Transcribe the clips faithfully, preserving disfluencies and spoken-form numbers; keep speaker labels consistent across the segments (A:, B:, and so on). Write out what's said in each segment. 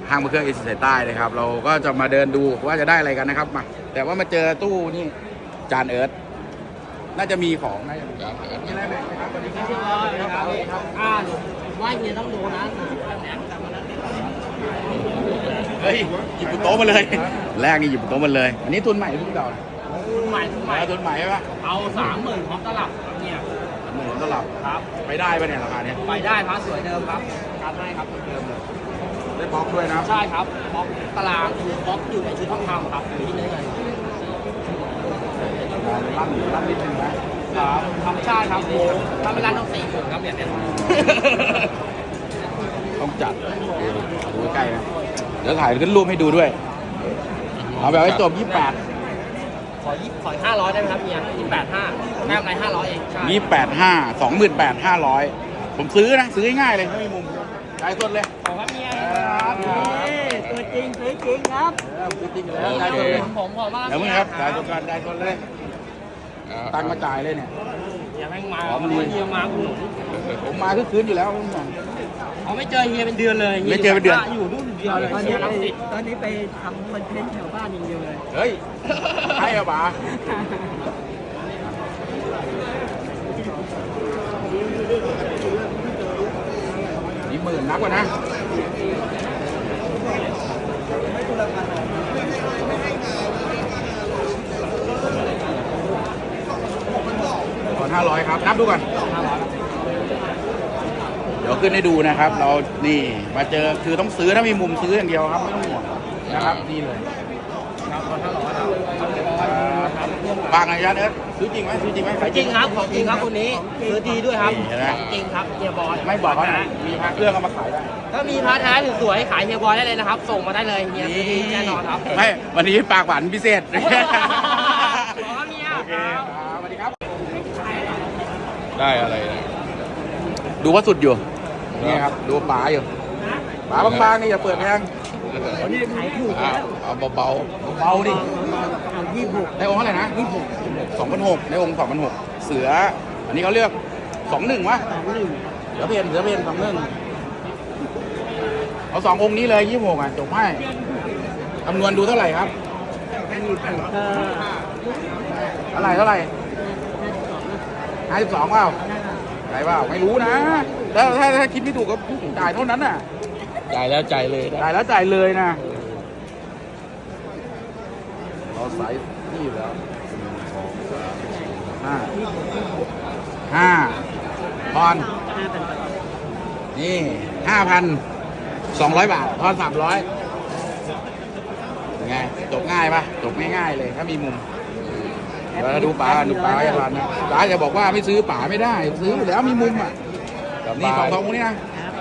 A: ห้างมือเครื่องเอเชียสายใต้นะครับเราก็จะมาเดินดูว่าจะได้อะไรกันนะครับมาแต่ว่ามาเจอตู้นี่จานเอิร์ธน่าจะมีของน่าจะมีของมีอะไรไหมครับสวัสดีครับ
B: ครับอ่าว่าเฮียต้องดูนะ
A: เฮ้ยหยิบบนโต๊ะมาเลยแรกนี่หยิบบนโต๊ะมาเลย อันนี้ทุนใหม่หรือทุนเก่า
B: ทุนใหม่ทุนใหม่
A: ทุนใหม่ใช่ปะ
B: เอาสามหมื่นพร้อมตลับเนี่ย
A: หมื่นตลับ
B: ครับ
A: ไปได้ปะเนี่ยราคาเนี้ย
B: ไปได้พระสวยเดิมครับการให้ครับเดิมเลย
A: ได้บล็อกด้วยนะ
B: ใช่ครับบล็อกตารางคือบล็อกอยู่ในชุดทองคำครับอยู่ที่เนื้อเงิน
A: ลั่นลั่นนิดนึงนะครับ
B: ธรรมชาติครับโอ้ถ้าไม่ร้านต้องสี่หมื่นครับเนี่ยเนี่ย
A: ต้องจัดดูใกล้นะเดี๋ยวถ่ายขึ้นรูปให้ดูด้วยเอาแบบให้จบยี่สิบแปด
B: ขอยี่ขอห้าร้อยได้ไหมครับเฮียยี่แปดห้าได้กำไรห้าร้อยเองใช่
A: ยี่สิบแปดห้าสองหมื่นแปดห้าร้อยผมซื้อนะซื้อง่ายๆเลยไม่มีมุมจ่ายสดเลย
B: ขอครับเฮียตัวจริงตัวจริงครับ
A: เออจริงๆแล้วจ่ายสดเลย
B: ผมขอบ้าง
A: เดี๋ยวมึงครับจ่ายสดก่อนจ่ายสดเลยตังค์มาจ่ายเลยเนี่ย
B: เฮียแม่งมา
A: อ๋อมันมี
B: เฮียมาคุณ
A: ผมมาคือคืนอยู่แล้วไม่ต้องห่วง
B: เขาไม่เจอเฮียเป็นเดือนเลย
A: ไม่เจอเป็นเดือน
B: อยู่นู่นเดียวเลย
C: ตอน
B: เฮี
C: นี้
B: ย
C: ไป
B: รังสิต
C: ตอนนี้ไปทำคอนเทนต์แถวบ้านอย่างเดียวเลย
A: เฮ้ยใช่เหรอป๋านี่หมื่นนักกว่านะก่อนห้าร้อยครับ นับดูก่อน เดี๋ยวขึ้นให้ดูนะครับ เรานี่มาเจอคือต้องซื้อถ้ามีมุมซื้ออย่างเดียวครับไม่ต้องห่วงนะครับนี่เลยบางระยะเนี้ยซื้อจริงไหมซื้อจริงไหมขาย
B: จริงครับของจริงครับคนนี้ซื้อดีด้วยครับ
A: นี่เห็นไหม
B: จริงครับเฮียบอย
A: ไม่บอกเขานะมีพระเครื่องเอามาขายได้
B: ถ้ามีพระแท้สวยๆขายเฮียบอยได้เลยนะครับ ส่งมาได้เลยเฮียซื้อดีแน่นอนครับ
A: ไม่วันนี้ปากหวานพิเศษ
B: ขอครับเฮีย
A: โอเค
B: ครับ
A: ครับสวัสดีครับ ได้อะไรนะดูว่าสุดอยู่นี่ครับดูป๋าอยู่ป๋าบางๆนี่อย่าเปิดแพง
C: วันนี้ขายถูก
A: เอา
C: แล้ว
A: เอาเบาๆเบาๆดิ
C: เอายี่สิบหก
A: ในองค์เท่าไหร่นะยี่สิบหกสองพันหกในองค์สองพันหกเสือ อันนี้เขาเรียกสองหนึ่งวะ
C: สองหนึ่ง
A: เสือเพนเสือเพนสองหนึ่งเอาสององค์นี้เลยยี่สิบหกอ่ะจบให้คำนวณดูเท่าไหร่ครับ
C: อันนี้ถูกก็
A: เท่าไหร่เท่าไหร่ห้าสิบสองเปล่าไหนเปล่าไม่รู้นะถ้าถ้าถ้าคิดไม่ถูกก็จ่ายเท่านั้นน่ะ
B: จ่ายแล้วจ่ายเลย
A: จ่ายแล้วจ่ายเลยนะเราใส่นี่อยู่แล้วห้าห้าพอน
C: ห้าพันบาท
A: นี่ห้าพันสองร้อยบาททอนสามร้อยไงจบง่ายปะจบง่ายๆเลยถ้ามีมุมเดี๋ยวเราดูป๋าดูป๋าอย่าพันนะป๋าจะบอกว่าไม่ซื้อป๋าไม่ได้ ซื้ออยู่แล้วมีมุมอ่ะนี่ของทององค์นี้นะ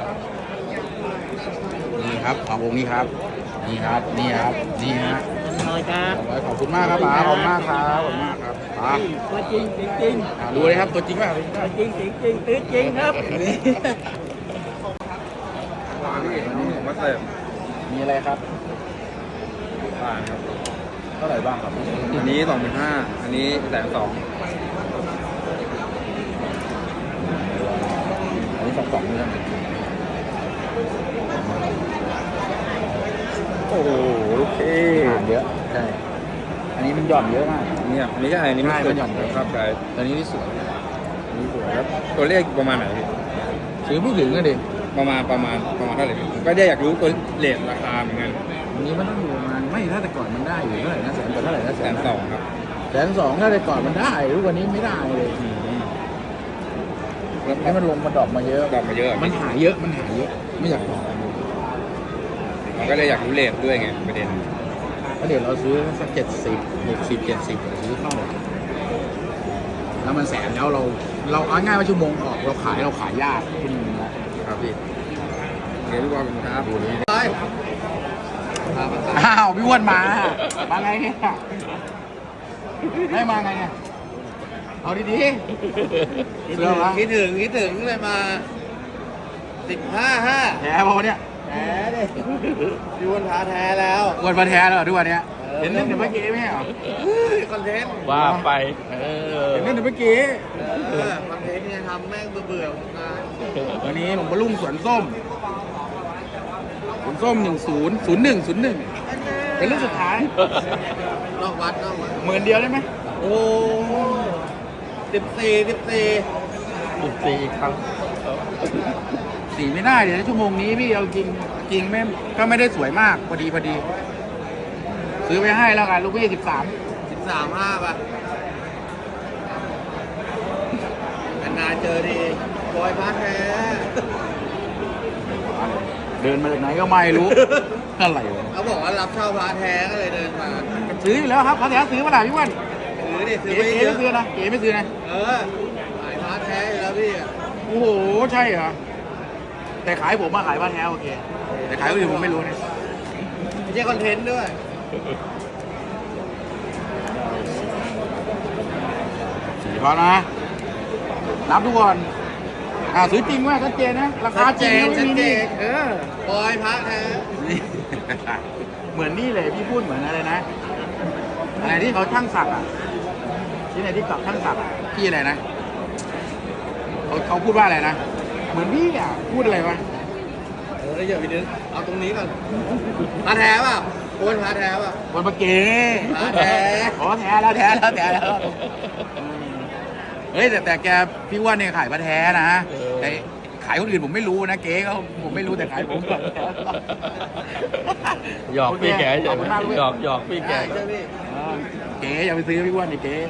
A: นี่ครับขององค์นี้ครับ นี่ครับนี่ครับนี่ฮะ
C: น้อยครับ
A: ขอบคุณมากครับป๋าขอบคุณมากครับขอบคุณมากครับป๋า
C: ตัวจริงจริงจริง
A: อ่าดูเลยครับตัวจริงป่ะ
C: ตัวจริงจริงจริงตื้อจริงครับ
D: มาเสิร์ฟ
A: มีอะไรครับ
D: ผ่านครับ
A: เท่าไหร่บ้างครับ
D: อันนี้สองพันห้าอันนี้แสนสอง
A: อันนี้สองสองเนื้อโอ้โหโอเคเยอะใช่อันนี้มันหย่อนเยอะมาก
D: เนี่ยอันนี้ก็อันนี้ไม่
A: ใช่
D: เกิ
A: มันหย่อนเยอะ
D: ครับใช่
A: ตอนนี้ที่สวย
D: อันนี้สวยครับตัวเลขประมาณไหนพี่
A: ซื้อไม่ถึงเลยดิ
D: ประมาณประมาณประมาณเท่าไหร่พี่ผมก็ได้อยากรู้ตัวเลทราคาเหมือนกัน
A: อันนี้มันต้องอยู่ประมาณไม่ถ้าแต่ก่อนมันได้อยู่เท่าไหร่นะแสนกว่าเท่าไหร่นะ
D: แสนสองครับ
A: แสนสองถ้าแต่ก่อนมันได้ทุกวันนี้ไม่ได้เลย
D: อืม
A: ให้มันลงมาดรอปมาเยอะ
D: ดอกมาเยอะ
A: มันหาเยอะมันหาเยอะไม่อยากบอก
D: ผมก็เลยอยากรู้เลทด้วยไงประเด็น
A: เพราะเดี๋ยวเราซื้อสักเจ็ดสิบหกสิบเจ็ดสิบซื้อเข้าแล้วมันแสนแล้วเราเราเอาง่ายว่าชั่วโมงออกเราขายเราขายยากคุณนะครับ
D: พี่เดี๋ยวพี่บอลผมครับ
A: ดูนี้อ้าวพี่อ้วนมามาไงเนี่ยไม่มาไงเนี่ยเอาดีๆเสื้อวะ
B: คิดถึงคิดถึงเลยมาสิบห้าห้า
A: แท้ป่ะเนี่ย
B: แท้เลยพี่วันพาแท้แล้ว
A: อ้วนมาแท้แล้วเหรอทุกวันเนี้ยเห็นเล่นแต่เมื่อกี้ไม่ใช่เหรอ
B: คอนเทนต์
A: ว่าไปเห็นเล่นแต่เมื่อกี้
B: เออคอนเทนต์เนี่ยทำแม่งเบื่อๆของงาน
A: วันนี้ผมมาลุ่งสวนส้ม คุณส้มหนึ่งศูนย์ศูนย์หนึ่งศูนย์หนึ่งเป็นรุ่นสุดท้าย
B: นอกวัดนอกวัด
A: หมื่นเดียวได้ไหม
B: โอ้สิบสี่สิบสี่
C: สิบสี่ครั้ง
A: สี่ไม่ได้เดี๋ยวชั่วโมงนี้พี่เอาจริงจริงไม่ก็ไม่ได้สวยมากพอดีพอดี ซื้อไปให้แล้วกันลูกพี่สิบสาม
B: สิบสามห้าป่ะนานๆเจอดีบอยพาแท้
A: เดินมาจากไหนก็ไม่รู้ อะไรวะ
B: เขาบอกว่ารับเช่าพาแท้ก็เลยเดินมา
A: ซื้ออยู่แล้วครับเขาแท้ซื้อมาหลายพี่วัน
B: ซื้อดิซื้
A: เก๋
B: อไป
A: เก๋
B: เย
A: ไม่
B: อะ
A: ซื้อนะเก๋ไม่ซื้อนะ
B: เออขายพาแท้อยู่แล้วพี่อะ
A: โอ้โหใช่เหรอแต่ขายผมมาขายบ้านแท้โอเคแต่ขายคนอื่นผมไม่รู้นะ
B: ไม่ใช่คอนเทนต์ด้วย
A: สี่พอนะนับทุกคนอ่าซื้อจริงไหมชัดเจนนะราคาจริงนะไม่มีนี่เออบ
B: อยพาแท้
A: นี่ เหมือนนี่เลยพี่พูดเหมือนอะไรนะอะไรที่เขาช่างสักอ่ะที่ไหนที่กับช่างสักอะพี่อะไรนะเขาเขาพูดว่าอะไรนะเหมือนพี่อ่ะพูดอะไรวะ
B: เออเดี๋ยวพี่นึกเอาตรงนี้ก่อนพาแท้ป่ะโอนพาแท้ป่ะ
A: คนปะเก๋
B: อ่าแท้
A: อ๋อแท้แล้วแท้แล้วแท้แล้วเฮ้ยแต่แต่แกพี่ว่าเนี่ยขายปลาแท้นะแต่ขายคนอื่นผมไม่รู้นะเก๋ก็ผมไม่รู้แต่ขายผมก่อน
C: หยอกพี่แก
A: โอเคขอบคุณมากลูก
C: หยอกหยอกพี่แก
B: ใช่พี่
A: อ่าเก๋อย่าไปซื้อพี่อ้วนดิเก๋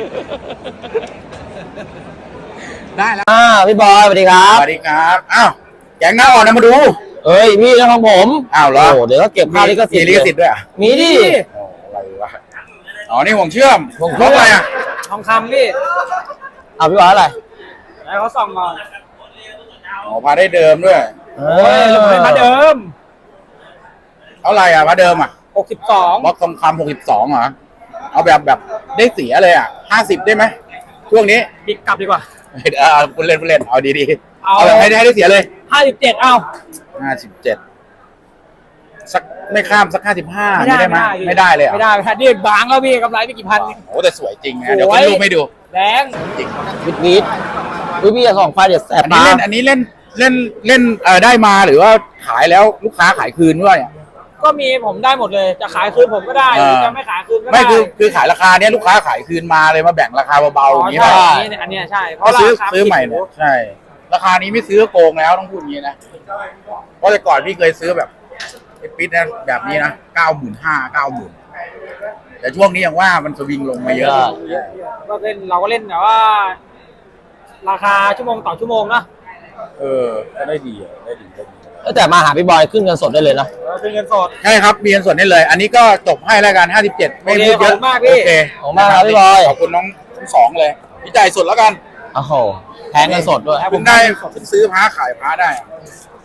A: ได้แล้ว
E: อ่าพี่บอยสวัสดีครั
A: ส
E: บ
A: วัสดีครับอ้าวแกงหน้าอ่อนนะมาดู
E: เอ้ยพี่เรื่องของผม
A: อ้าวเหรอ
E: โเดี๋ยวก็เก็บค่าลิขสิท
A: มี
E: ธิ์
A: ลิขสิทธิ์ด้วยเหรอ่ะ
E: มีดิ
A: อะไรวะอ๋อนี่ห่วงเชื่อม
E: ห่วงเชื่
A: ร
E: อม
A: ถอะไรอ่ะ
B: ทองคำพี่
E: เอาพี่บอยอะไร
B: แล้วเขาส่องก่อน
A: อ๋อพาได้เดิมด้วย
E: เอ้ย
B: มาเดิม
A: เท่าไหร่อ่ะพาเดิมอ่ะ
B: หกสิบสอง
A: บล็อกทองคำหกสิบสองเหรอเอาแบบแบบได้เสียเลยอ่ะห้าสิบได้ไหมช่วงนี้
B: บิดกลับดีกว่า
A: เออคุณเล่นคุณเล่นเอาดีๆ
B: เอา
A: เอาแบบให้ได้ให้ได้เสียเลย
B: ห้าสิบเจ็ดเอา
A: ห้าสิบเจ็ดสักไม่ข้ามสักห้าสิบห้าได้ไหมไม่ได้เลยเหร
B: ไม่
A: อ่ะ
B: ได้ไม่ได้นี่บางแล้วพี่กำไรไม่กี่พัน
A: โอ้แต่สวยจริงนะเดี๋ยวขึ้นรูปให้ดู
B: แรง
A: จริง
E: วิดวิดวิพี่จะส่องไฟเดี๋ยวแสบ
A: อันนี้
E: ตา
A: เล่นอันนี้เล่นเล่นเล่นเอ่อได้มาหรือว่าขายแล้วลูกค้าขายคืนด้วย
B: ก็มีผมได้หมดเลยจะขายคืนผมก็ได้หรือจะไม่ขายคืนก็ได้
A: ไม่คือคือขายราคาเนี้ยลูกค้าขายคืนมาเลยมาแบ่งราคาเบาๆอย่างนี้
B: ใช่
A: ป่ะ
B: อันนี้อันเนี้ยใช่เพ
A: ก็
B: ราะ
A: ซื้อ
B: ราคา
A: ซื้อใหม่เนี่ยใช่ ราคานี้ไม่ซื้อก็โกงแล้วต้องพูดอย่างนี้นะเพราะแต่ก่อนพี่เคยซื้อแบบไอ้ปิดนะแบบนี้นะเก้าหมื่นห้าเก้าหมื่นแต่ช่วงนี้ยังว่ามันสวิงลงมาเยอะ
B: ก็เล่นเราก็เล่นแต่ว่า ราคาชั่วโมงต่อชั่วโมงนะ
A: เออก็ได้ดีอะได้ดีได้ดี
E: เอ้ยแต่มาหาพี่บอยขึ้นเงินสดได้เลยนะ
B: เราเป็นเงินสด
A: ใช่ครับมีเงินส่วนได้เลย อันนี้ก็จบให้แล้วกันห้าสิบเจ็ดไม่พูดเยอะ
B: โอเคขอบคุณมากพี่
A: โอเค
E: ขอบคุณมากครับพี่บอย
A: ขอบคุณน้องทั้งสองเลยพี่จ่ายสดแล้วกัน
E: โอ้โหแพงเงินสดด้วย
A: เพิ่งได้เพิ่งซื้อพระขายพระได้อะ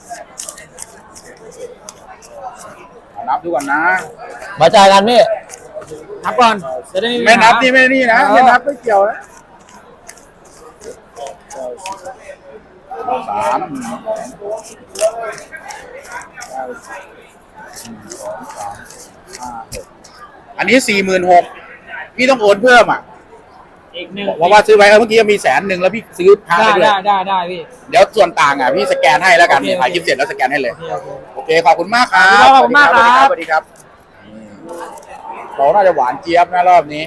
A: เอานับดูก่อนนะ
E: มาจ่ายกันพี่
B: นับก่อนจะได้มี
A: ไม่นับ
B: ปัญหา
A: นี่ไม่นี่นะไม่นับไม่เกี่ยวนะสามอันนี้สี่หมื่นหกพี่ต้องโอนเพิ่มอ่ะ
B: อีกหนึ่ง
A: เพราะว่าซื้อไว้เออเมื่อกี้มีแสนหนึ่งแล้วพี่ซื้อพระ
B: ได้
A: ไปด้วย
B: ได้ได้ได้พี่
A: เดี๋ยวส่วนต่างอ่ะพี่สแกนให้แล้วกัน
B: โอเคโอเค
A: ถ่ายคลิปเสร็จแล้วสแกนให้เลย
B: โอเคโอเค
A: โอเคขอบคุณมากครับ
B: ขอบคุณมากครับ
A: สวัสดีครับอืมเราน่าจะหวานเจี๊ยบนะรอบนี้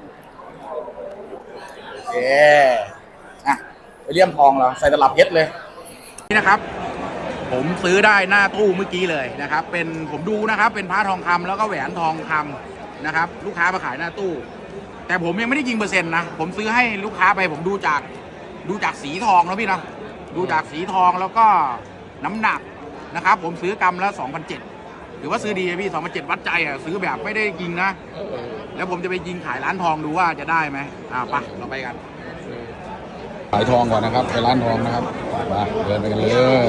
A: โอเคอ่ะไปเลี่ยมทองเหราใส่ตลับเพชรเลยนี่นะครับ ผมซื้อได้หน้าตู้เมื่อกี้เลยนะครับ เป็นผมดูนะครับ เป็นพระทองคำแล้วก็แหวนทองคำนะครับ ลูกค้ามาขายหน้าตู้ แต่ผมยังไม่ได้ยิงเปอร์เซ็นต์นะผมซื้อให้ลูกค้าไปผมดูจากดูจากสีทองนะพี่นะดูจากสีทองแล้วก็น้ำหนักนะครับ ผมซื้อกรัมละสองพันเจ็ดถือว่าซื้อดีพี่สองพันเจ็ดวัดใจอ่ะซื้อแบบไม่ได้ยิงนะแล้วผมจะไปยิงขายร้านทองดูว่าจะได้ไหมอ่าไปเราไปกันขายทองก่อนนะครับไปร้านทองนะครับมาเดินไปกันเลย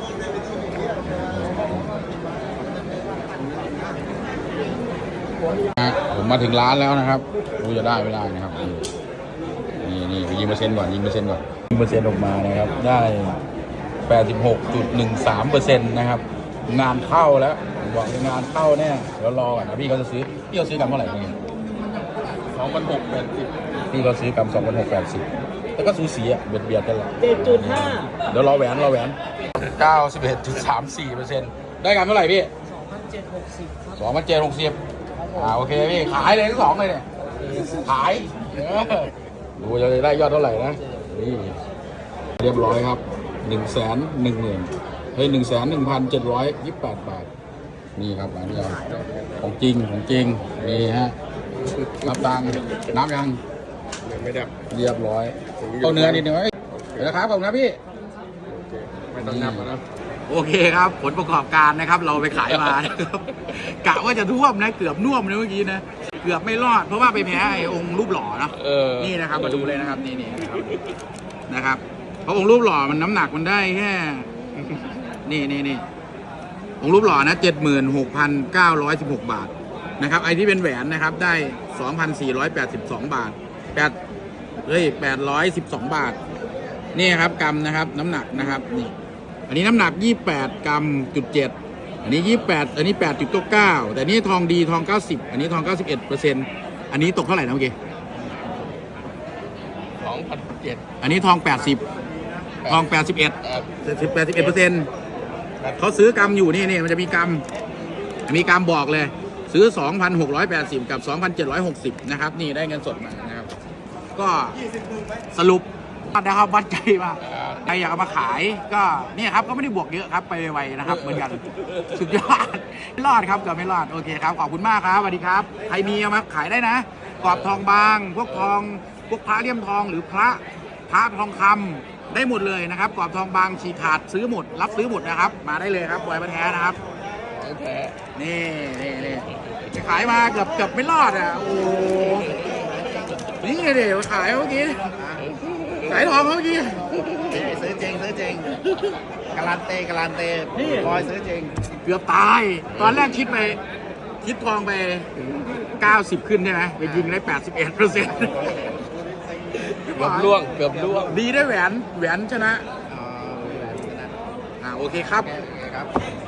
A: ผมมาถึงร้านแล้วนะครับดูจะได้ไม่ได้นะครับนี่นี่ไปยิงเปอร์เซ็นต์ก่อนยิงเปอร์เซ็นต์ก่อนยิงเปอร์เซ็นต์ออกมานะครับได้ แปดสิบหกจุดหนึ่งสามเปอร์เซ็นต์ นะครับงานเข้าแล้วผมบอกเลยงานเข้าแน่เดี๋ยวรอก่อนนะพี่เขาจะซื้อพี่เขาซื้อกำเท่าไหร่เนี่ยสองพันหกแปดสิบพี่เขาซื้อกำสองพันหกแปดสิบแต่ก็สูสีอ่ะเบียดเบียดกันแหละ
B: เจ็ดจุดห้า
A: เดี๋ยวรอแหวนรอแหวนเก้าสิบเอ็ดจุดสามสี่เปอร์เซ็นต์ได้กำเท่าไหร่พี่
F: เจ็ดหกสิบครับ
A: สองพันเจ็ดหกสิบอ่าโอเคพี่ขายเลยทั้งสองเลยเนี่ยขายเออดูจะได้ยอดเท่าไหร่นะนี่เรียบร้อยครับหนึ่งแสนหนึ่งหมื่นเฮ้ยหนึ่งแสนหนึ่งพันเจ็ดร้อยยี่สิบแปดบาทนี่ครับอันนี้ของจริงของจริงนี่ฮะรับตังค์น้ำยัง
D: ไม่ดับ
A: เรียบร้อยเอาเนื้อนิดหนึงไว้เดี๋ยวนะครับขอบคุณนะพี่
D: ไม่ต้องนับนะ
A: โอเคครับผลประกอบการนะครับ เราไปขายมานะครับกะว่าจะท่วมนะเกือบน่วมเลยเมื่อกี้นะเกือบไม่รอดเพราะว่าไปแพ้ไอ้องค์รูปหล่อเนาะ
C: เออ
A: นี่นะครับมาดูเลยนะครับนี่นี่นะครับนะครับเพราะองค์รูปหล่อมันน้ำหนักมันได้แค่นี่นี่นี่องค์รูปหล่อนะเจ็ดหมื่นหกพันเก้าร้อยสิบหกบาทนะครับไอ้ที่เป็นแหวนนะครับได้สองพันสี่ร้อยแปดสิบสองบาทแปดเฮ้ยแปดร้อยสิบสองบาทนี่ครับกรัมนะครับน้ำหนักนะครับนี่อันนี้น้ำหนักยี่สิบแปดกรัมจุดเจ็ดอันนี้ยี่สิบแปดอันนี้แปดจุดเก้าแต่นี่ทองดีทองเก้าสิบอันนี้ทองเก้าสิบเอ็ดเปอร์เซ็นต์อันนี้ตกเท่าไหร่นะเมื่อกี้
C: สองพันเจ็ด
A: อันนี้ทองแปดสิบทองแปดสิบเอ็ดสิบแปดสิบเอ็ดเปอร์เซ็นต์เขาซื้อกรัมอยู่นี่นี่มันจะมีกรัมมีกรัมบอกเลย ซื้อ สองพันหกร้อยแปดสิบ กับ สองพันเจ็ดร้อยหกสิบ นะครับ นี่ได้เงินสดมานะครับ ก็สรุปนะครับวัดใจว่าใครอยากเอามาขายก็เนี่ยครับก็ไม่ได้บวกเยอะครับไปไวๆนะครับเหมือนกันสุดยอดไม่รอดครับเกือบไม่รอดโอเคครับขอบคุณมากครับสวัสดีครับใครมีเอามาขายได้นะกรอบทองบางพวกทองพวกพระเลี่ยมทองหรือพระพระทองคำได้หมดเลยนะครับกรอบทองบางฉีกขาดซื้อหมดรับซื้อหมดนะครับ มาได้เลยครับบอยมาแท้นะครับ
C: ของแท้
A: นี่นี่นี่ไปขายมาเกือบเกือบไม่รอดอ่ะโอ้นี่ไงเดี๋ยวขายเมื่อกี้ขายทองเมื่อกี้
B: ซื้อจริงซื้อจริงการันตีการันตี
A: นี่
B: บอยซื้อจริง
A: เกือบตาย ตอนแรกคิดไปคิดทองไปเก้าสิบขึ้นใช่ไหมไปยิงได้แปดสิบเอ็ดเปอร์เซ็นต์
C: เกือบล่วง เกือบล่วง
A: ดีได้แหวนแหวนชนะอ่าโอเคครับ
B: โอเคครับ